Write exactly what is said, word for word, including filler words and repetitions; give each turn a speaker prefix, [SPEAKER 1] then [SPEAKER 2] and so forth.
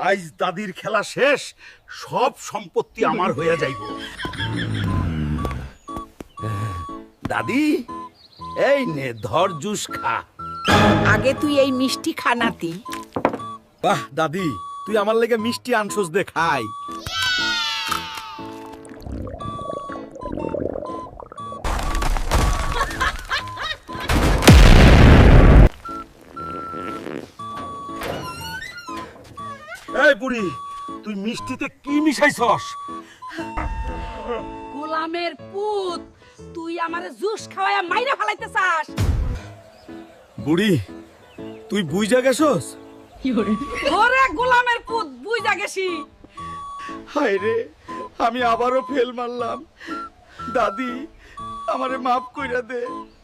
[SPEAKER 1] আজ দাদির খেলা শেষ, সব সম্পত্তি আমার হয়ে যাইব। দাদি, এই নে ধর জুস খা।
[SPEAKER 2] আগে তুই এই মিষ্টি খানাতি।
[SPEAKER 1] বাহ দাদি, তুই আমার লেগে মিষ্টি আনছস দে খাই। এই বুড়ি, তুই মিষ্টিতে কি মিশাইছস?
[SPEAKER 2] গোলামের পুত, তুই আমারে জুস খাওয়ায়া মাইরা ফেলাইতে চাস?
[SPEAKER 1] বুড়ি, তুই বুইজা গেছস?
[SPEAKER 2] ওরে গোলামের পুত, বুঝা গেছি।
[SPEAKER 1] হায় রে, আমি আবারও ফেল মারলাম। দাদি, আমারে মাফ কইরা দে।